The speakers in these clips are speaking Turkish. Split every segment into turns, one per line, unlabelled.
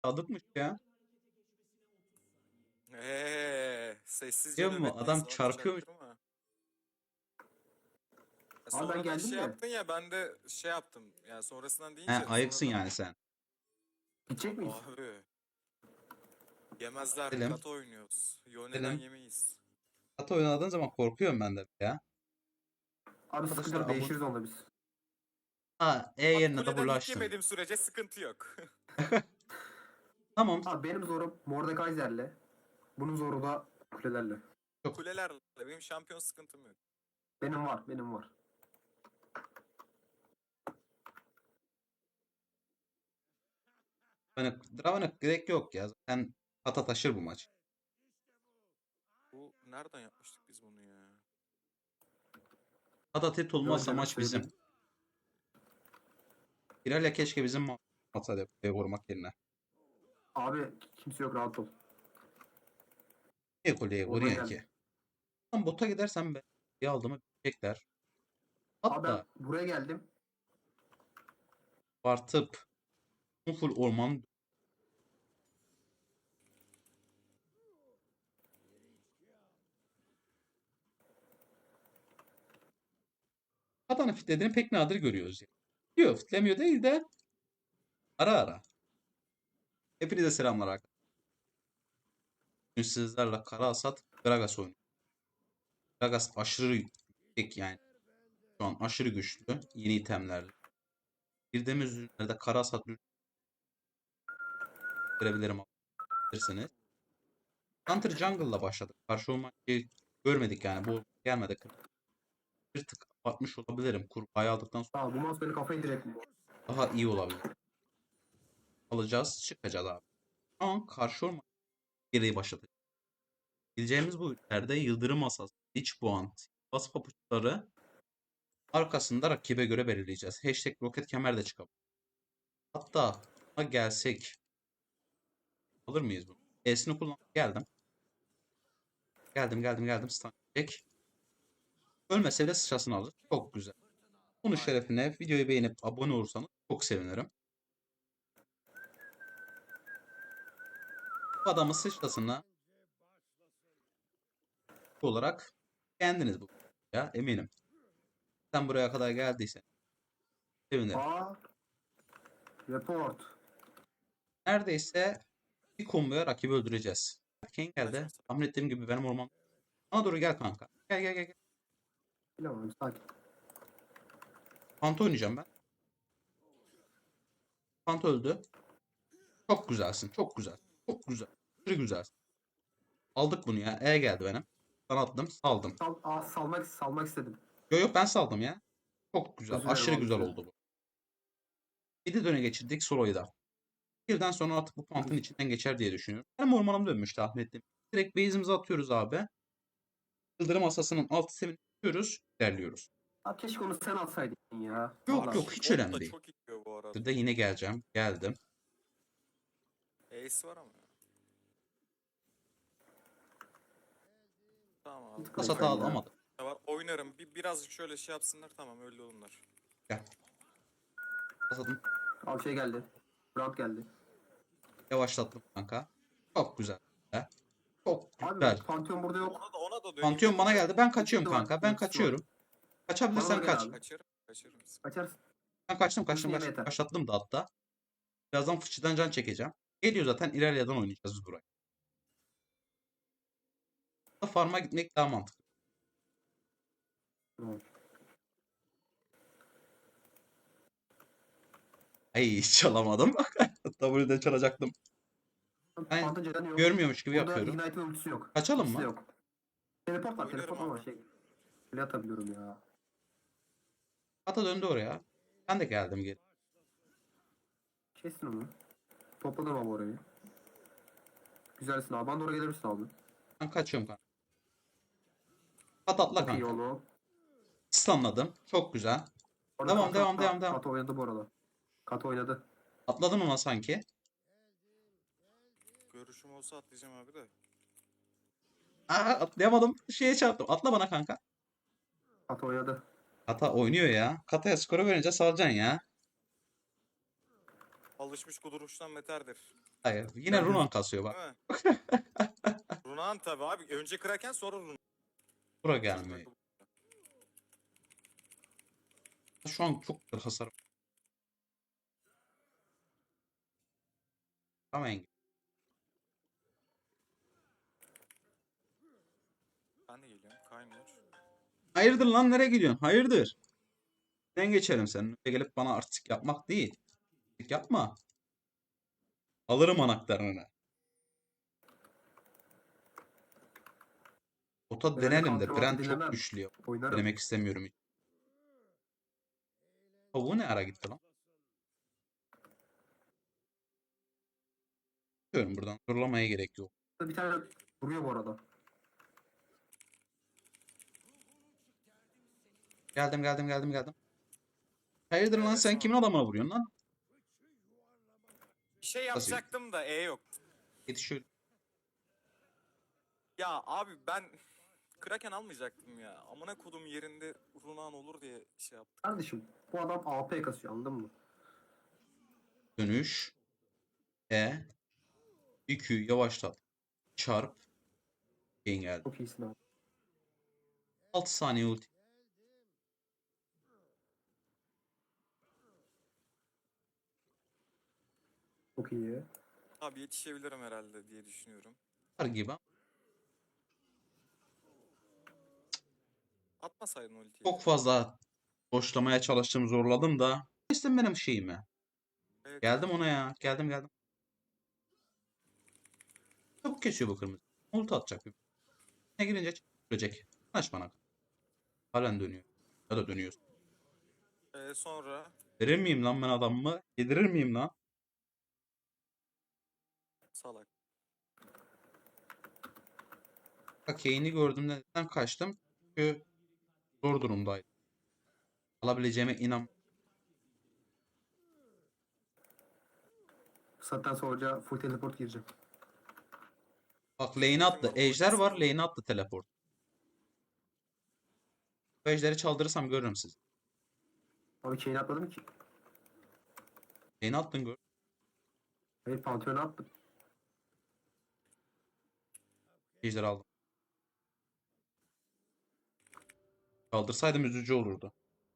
Sadıkmış ya.
Sessizce
Biliyor musun?
nöbetteyiz
Adam
abi,
çarpıyormuş.
çaktırma.
Abi ben
Sonradan
geldim
şey
de.
yaptın ya, ben de şey yaptım. Yani sonrasından
He,
deyince
ayıksın
sonradan
yani sen.
Gidecek miyiz?
abi yemezler,
Gidelim.
kata oynuyoruz. Yone'den
Gidelim.
yemeyiz.
Hatta oynadığın zaman korkuyorum ben de ya.
Abi sıkıntı
Arkadaşlar
yok,
abone.
değişiriz onda biz.
Ha, E
Bak,
yerine
kuleden
W
hit
açtım.
yemediğim sürece sıkıntı yok.
Tamam.
Abi benim zorum Mordekaiser'le. Bunun zoru da kulelerle.
Çok.
Kulelerle benim şampiyon sıkıntım yok.
Benim var.
Hani Draven'a gerek yok ya. Zaten Kata taşır bu maç.
Bu nereden yapmıştık biz bunu ya?
Kata tit olmazsa
Göreceğim,
maç bizim.
söyleyeyim.
Pirelli keşke bizim atsaydı vurmak yerine.
Abi kimse yok, rahat ol.
Niye kuleye
Orada
vuruyorsun ki?
geldim.
Tam bota gidersem ben bir aldığımı bilecekler.
Abi ben
Hatta
buraya geldim.
artıp full orman Kata'nın fitlediğini pek nadir görüyoruz. Yani. Yok, fitlemiyor değil de ara ara. Hepinize selamlar arkadaşlar. Bugün sizlerle Kara Hasat Gragas oynuyor. Gragas aşırı yüksek yani. Şu an aşırı güçlü. Yeni itemlerle. Girdiğimiz ürünlerde Kara Hasat görebilirim alabilirsiniz. Hunter Jungle'la başladık. Karşı olmayı görmedik yani. Bu gelmedi. Bir tık atmış olabilirim. Kurbağayı aldıktan sonra
Abi bu mouse beni kafayı direkt.
daha iyi olabilir. Alacağız, çıkacağız abi. Ama karşı olmayı geriye başlatacağız. Gideceğimiz bu ülkelerde Yıldırım Asası, Lich Puan, Bas papuçları arkasında rakibe göre belirleyeceğiz. Hashtag roket kemer de çıkabilir. Hatta buna gelsek alır mıyız bunu? E'sini kullanıp geldim. Geldim. Stun çek. Ölmese bile sıçrasını alır. Çok güzel. Bunun
Aynen.
şerefine videoyu beğenip abone olursanız çok sevinirim. Bu adamın sıçrasını olarak beğendiniz bu ya eminim. Sen buraya kadar geldiysen sevinirim.
Aa, report.
Neredeyse bir komboya rakibi öldüreceğiz. Kane geldi.
Kaçmasın.
Tahmin ettiğim gibi benim orman. Bana doğru gel kanka. Gel.
Bilemem abi, sakin.
Panto oynayacağım ben. Panto öldü. Çok güzelsin. Çok güzel. Çok güzel. Aşırı güzelsin. Aldık bunu ya. E geldi benim. Ben attım. Saldım.
Salmak istedim.
Yok ben saldım ya. Çok güzel.
Özür dilerim
Aşırı
abi,
güzel
özür
oldu bu. 7 döne geçirdik soloyu da. Birden sonra artık bu pantın
dilerim.
içinden geçer diye düşünüyorum. Benim ormanım dönmüş tahmin ettim. Direkt base'imizi atıyoruz abi. Yıldırım asasının alt sistemini tutuyoruz. İlerliyoruz.
Abi keşke onu sen atsaydın ya.
Yok
Vallahi.
yok
Şu
hiç
bot da
önemli değil.
çok iyi bu arada.
De yine geleceğim. Geldim.
Ace var ama. Tamam abi.
Bir tık
Pas
öyle
hata
ya.
alamadım.
Var. Oynarım. Birazcık şöyle şey yapsınlar, tamam öyle olurlar.
Gel. Pasadım.
Abi şey geldi. Brand geldi.
Yavaşlattım kanka. Çok güzel. Be. Çok
Abi
güzel.
Pantheon burada yok.
Ona da döneyim
Pantheon
dedim
bana
de.
geldi. Ben kaçıyorum
Ultisi var.
kanka. Ben
Ultisi var.
kaçıyorum.
Bana
Kaçabilirsen
da gel
kaç.
abi.
Kaçırırım.
Kaçarsın.
Ben kaçtım.
Ultisi yeme yeter.
Başlattım da hatta. Birazdan fıçıdan can çekeceğim. Geliyor zaten ilerleden oynayacağız biz burayı. Farm'a gitmek daha mantıklı.
Tamam.
Ay hiç çalamadım. W'de çalacaktım. Ben
Pantheon canı yok.
görmüyormuş gibi
Burada
yapıyorum.
Ignite ve ultisi yok.
Kaçalım
İkisi de
mı?
yok. Teleport var.
Oynarım
Teleport ama
abi.
şey. Bile atabiliyorum ya.
Ata döndü oraya. Ben de geldim geri.
Kesin onu. Topladım abi orayı. Güzelsin abi. Bana doğru gelir misin abi?
Ben kaçıyorum kanka. At atla
Çok iyi
kanka.
oğlum.
Stunladım. Çok güzel.
Orada
Devam.
Kato oynadı bu arada. Kato oynadı.
Atladın ona sanki.
Görüşüm olsa atlayacağım abi de.
Aa, atlayamadım. Şeye çarptım. Atla bana kanka.
Kato oynadı.
Kata oynuyor ya. Kata'ya skoru verince salacaksın ya.
alışmış kuduruştan beterdir.
Hayır. Yine
Ben
Runan kasıyor bak.
Değil mi? Runan tabi abi. Önce Kraken sonra Runan.
Bura gelmiyor. Şu an çok hasar. Tamam Engin.
Ben de geliyorum. Kaymıyor.
Hayırdır lan, nereye gidiyorsun? Hayırdır? Ben geçerim senin. Öyle gelip bana artistik yapmak değil. Artistik yapma. Alırım anahtarını. Ota
Ben öyle
denelim de
counter
Brand çok
dinlemem.
güçlü ya.
Oynarım.
Denemek istemiyorum hiç. Tavuğu ne ara gitti lan? Diyorum buradan. Zorlamaya gerek yok.
Bir tane vuruyor bu arada.
Geldim. Hayırdır lan, sen
Sonra.
kimin adamına vuruyorsun lan?
Bir şey
Nasıl?
yapacaktım da yok.
Yetişiyor.
Ya abi ben Kraken almayacaktım ya. Amına kodum yerinde Runan olur diye şey yaptım.
Kardeşim bu adam AP kasıyor anladın mı?
Dönüş. E. İQ yavaşlat. Çarp. Engel.
Çok iyisin abi.
6 saniye ulti.
Çok iyi.
Abi yetişebilirim herhalde diye düşünüyorum.
Var gibi.
Atmasaydın ultiyi.
Çok fazla boşlamaya çalıştım, zorladım da. İşte benim şeyime.
Evet.
Geldim ona ya. Geldim. Çabuk kesiyor bu kırmızı. Ulti atacak bir. Ne girince ölecek. Kaç bana. Halen dönüyor. Ya da dönüyor.
Sonra
Verir miyim lan ben adamımı? Yedirir miyim lan?
salak.
Bak Kane'i gördüğümde neden kaçtım? Çünkü zor durumdaydı. Alabileceğime inan.
Zaten sonra full teleport gireceğim.
Bak lane'e attı. Ejder var, lane'e attı teleport. Bu ejderi çaldırırsam görürüm sizi.
Abi chain atmadım ki.
Lane'e attın gör.
Hayır Pantheon'a attım.
Ejderi aldım. Kaldırsaydım üzücü olurdu.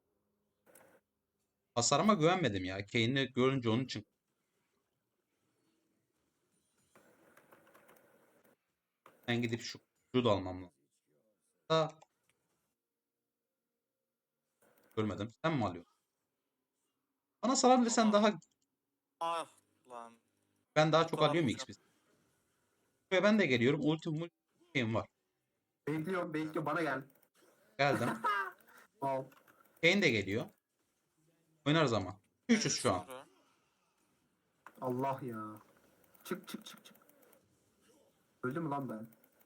Hasarıma güvenmedim ya. Kane'i görünce onun için. Ben gidip şu da almam lazım. Da görmedim. Sen mi alıyorsun? Bana salabilirsen
Ama-
daha,
Ah lan.
ben daha
Bu
çok
kadar
alıyorum
boşa-
XP. Buraya ben de geliyorum. Şeyim var.
Bekliyorum bana gel.
Geldim.
Wow.
Kane de geliyor. Oynarız ama. 300 şu an.
Sonra.
Allah ya. Çık. Öldüm mü lan ben?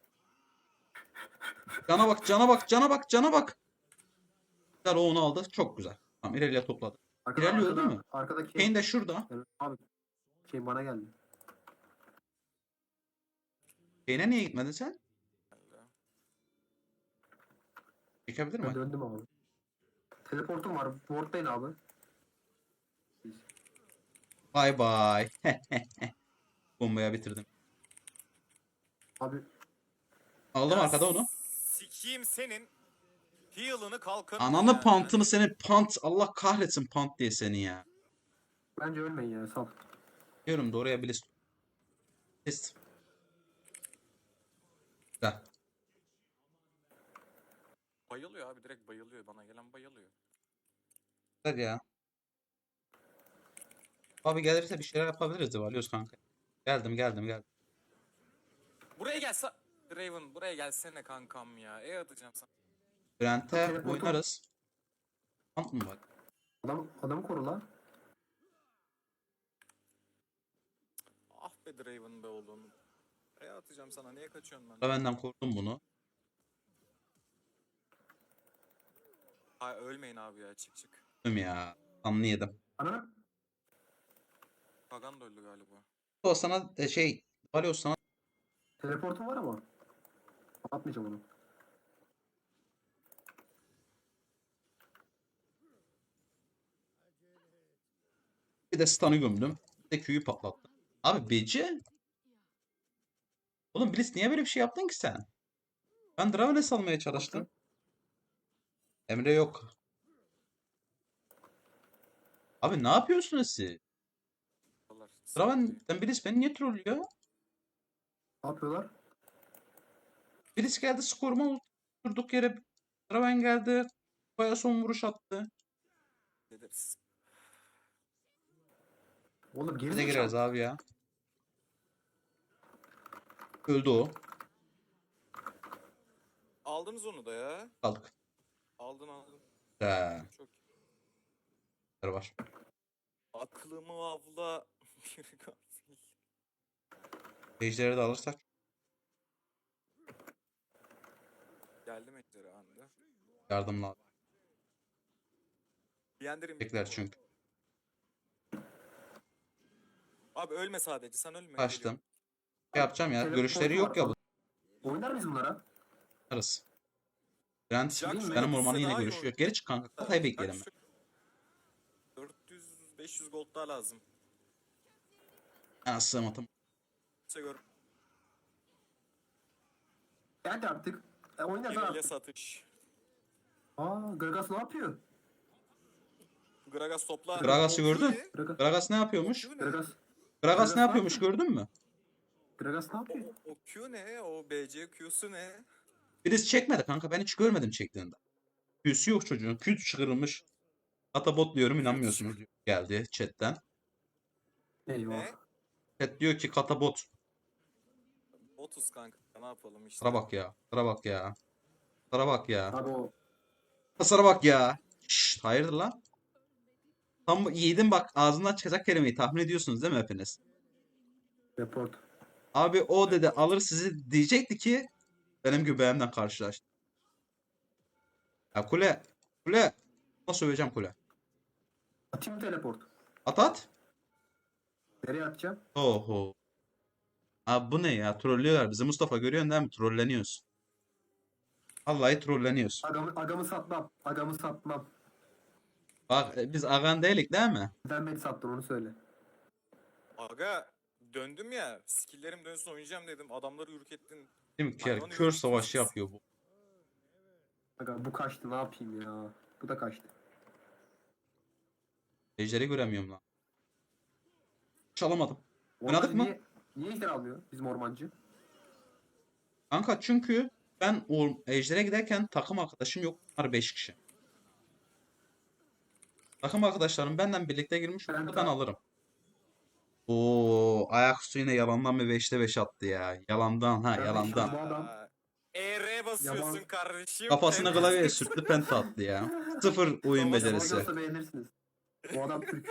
Cana bak. Güzel, o onu aldı. Çok güzel. Tamam, ileriye topladı. İlerliyor değil mi?
Arkadaki
Kane de şurada.
Evet, abi şey bana geldi.
Kane'e niye gitmedin sen? Çekebilir
Ben
mi?
döndüm abi. Teleportum var. Ward'dayın abi.
Bay bay. Bombaya bitirdim.
Abi
Aldım
Ya
arkada onu.
Sikiyim senin heal'ını kalkın.
Ananı pantını seni, pant. Allah kahretsin pant diye seni ya.
bence ölmeyin ya sal.
Diyorum da oraya bir list. Güzel.
Bayılıyor abi, direkt bayılıyor. Bana gelen bayılıyor.
Güzel ya. Abi gelirse bir şeyler yapabiliriz de varıyoruz kanka. Geldim.
Buraya gelse Draven, buraya gelsene kankam ya. Atacağım sana.
Brent'e
Teleportum-
oynarız. Pant mı var?
Adamı koru lan.
Ah be Draven be oğlum. Atacağım sana. Niye kaçıyorsun
Da
ben?
benden korktum bunu.
Hay ölmeyin abi ya, çık.
Tüm ya. Anlı yedim.
Ana
Pagan da öldü galiba.
O sana Valios sana
teleportum var ama. Atmayacağım onu.
bir de stun'ı gömdüm. de Q'yu patlattı. Abi Beci. Oğlum Blitz niye böyle bir şey yaptın ki sen? Ben Draveness almaya çalıştım. Emre yok. Abi ne yapıyorsunuz siz?
Allah,
Draven'den Blitz beni niye trollüyor?
Ne yapıyorlar?
Blitz geldi skoruma durduk yere. Draven geldi. Baya son vuruş attı.
ederiz.
Oğlum
Biz de gireriz
gerizekalı.
abi ya. Öldü o.
Aldınız onu da ya.
Kaldık.
Aldın.
He,
Çok
var.
aklımı avla. Bir gafil.
Ejder'i de alırsak.
Geldim ejderi anda.
Yardımla abi.
Yendirim.
Bekler çünkü.
Abi ölme sadece, sen ölme.
Kaçtım. Şey yapacağım ya.
Teleportu
Görüşleri yok
var.
ya bu.
Oynar mıyız bunlara?
Arası. Brent
Jack
benim
şöyle
ormanı
bitse
yine
daha iyi
görüşüyor.
olur.
Geri çık kanka. Katayı bekleyelim.
400-500 gold daha lazım.
Ben sığmadım.
İşte gör.
Hadi artık. Oyna da
Geriye
artık.
satış.
Gragas ne yapıyor?
Gragas topla.
Gragas'ı
O
gördün?
Q
Gragas.
Gragas ne yapıyormuş?
ne?
Gragas.
Gragas ne
ne
yapıyormuş gördün mü?
Gragas ne yapıyor?
O Q ne? O BC Q'su ne?
Birisi çekmedi kanka. Ben hiç görmedim çektiğinde. Q'su yok çocuğun. Q çıkarılmış. Atabot diyorum inanmıyorsunuz. Geldi chatten.
Eyvah.
Ne?
Chat diyor ki katabot.
30 kanka. Ne yapalım işte.
Sıra bak ya. Sıra bak ya. Sıra bak ya.
Abi o
Sıra bak ya. Şşt, hayırdır lan? Tam yiğidin bak ağzından çıkacak kelimeyi tahmin ediyorsunuz değil mi hepiniz?
report.
Abi o dedi alır sizi diyecekti ki benim göbeğimden karşılaştı. Ya kule. Kule. Nasıl söveceğim kule?
Atayım teleport.
At at.
Nereye atacağım?
Oho. Abi bu ne ya? Trollüyorlar bizi. Mustafa görüyorsun değil mi? Trolleniyoruz. Vallahi trolleniyoruz.
Agamı satmam. Agamı satmam.
Bak biz agan değilik değil mi?
Neden beni sattın onu söyle.
Aga döndüm ya. Skill'lerim dönsün oynayacağım dedim. Adamları ürkettin.
Değil mi?
Hayvan
Kör
yürüyüşü
savaşı
siz.
yapıyor bu.
Aga bu kaçtı ne yapayım ya. Bu da kaçtı.
Ejderi göremiyorum lan. Çalamadım.
Orada
Oynadık mı?
Niye ejder almıyor bizim ormancı?
Kanka çünkü ben o ejdere giderken takım arkadaşım yok. Bunlar 5 kişi. Takım arkadaşlarım benden birlikte girmiş.
Ben
Ben alırım. Oo, ayaküstü yine yalandan bir 5'te 5 attı ya. Yalandan ha
Ben
yalandan.
Bu adam-
ER basıyorsun
Yaban-
kardeşim.
Kafasına
Pembe
klavyeye
basıyorsun.
sürttü penta attı ya. Sıfır oyun
Yabancı
becerisi.
Yabancı olsa beğenirsiniz. Bu adam Türk.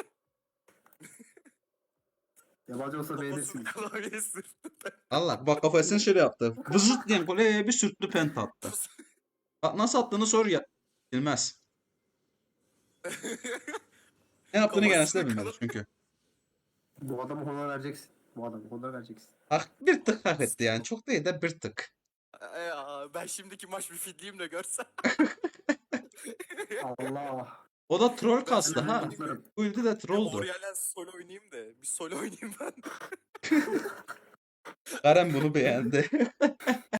Yabancı olsa
Kafasını
beğenirsiniz.
klavyeye sürttü.
Allah bak kafasını şöyle yaptı. Vızıt diyen kuleye bir sürttü penta attı. Bak nasıl attığını sor ya. Bilmez. Ne yaptığını kendisi de
Kafasını
bilmez çünkü.
Bu adamı honor vereceksin. Bu adamı honor vereceksin.
Bir tık hak etti yani. Çok değil de bir tık.
Ben şimdiki maç bir fidliyim de görsen.
Allah.
O da troll kastı
Ben
ha.
kutlarım.
Bu ilde de trolldu.
Oriel'den solo oynayayım da. Bir solo oynayayım ben.
Karen bunu beğendi.